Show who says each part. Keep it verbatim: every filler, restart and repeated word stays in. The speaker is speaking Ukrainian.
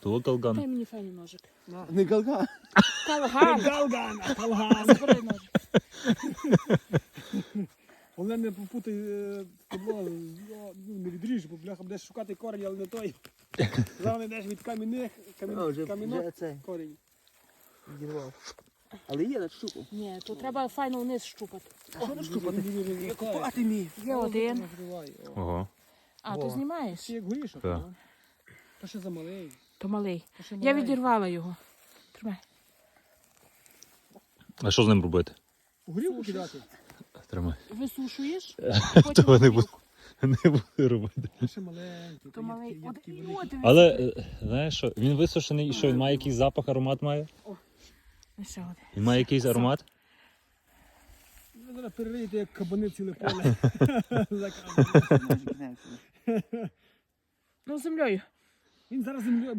Speaker 1: То
Speaker 2: Дай
Speaker 1: калган.
Speaker 2: мені файний ножик.
Speaker 3: Не галган.
Speaker 2: Калган.
Speaker 3: Галган, а калган.
Speaker 2: Забери ножик.
Speaker 3: Головне не попутай табло, ну, не відріж, бо бляха будеш шукати корінь, але не той. Зараз не йдеш від камінних, камін, камінок корінь.
Speaker 4: Відірвав. Але є на штуку.
Speaker 2: Ні, то треба файно вниз щупати.
Speaker 3: А що не штукати?
Speaker 4: Купати мій.
Speaker 2: Є один.
Speaker 1: Ого.
Speaker 2: А, то знімаєш?
Speaker 3: Ти як горішок?
Speaker 1: Так.
Speaker 3: ну. То ще замалий.
Speaker 2: То малий.
Speaker 3: То ще
Speaker 2: Я
Speaker 3: маленький.
Speaker 2: відірвала його. Тримай.
Speaker 1: А що з ним робити?
Speaker 3: У горілку кидати?
Speaker 1: Тримай.
Speaker 2: Висушуєш,
Speaker 1: Того
Speaker 2: потім
Speaker 1: не
Speaker 2: горілку.
Speaker 1: буду. Не буду робити.
Speaker 3: То ще маленький.
Speaker 2: То малий.
Speaker 3: їдкий,
Speaker 2: От,
Speaker 3: їдкий,
Speaker 2: і
Speaker 3: великий.
Speaker 2: от, дивись.
Speaker 1: Але, е, знаєш що, він висушений і що, він має якийсь запах, аромат має?
Speaker 2: І ще один.
Speaker 1: Він має якийсь аромат?
Speaker 3: Ви зараз перериєте, як кабани ціле поле.
Speaker 2: Ну, землею.
Speaker 3: Він зараз землю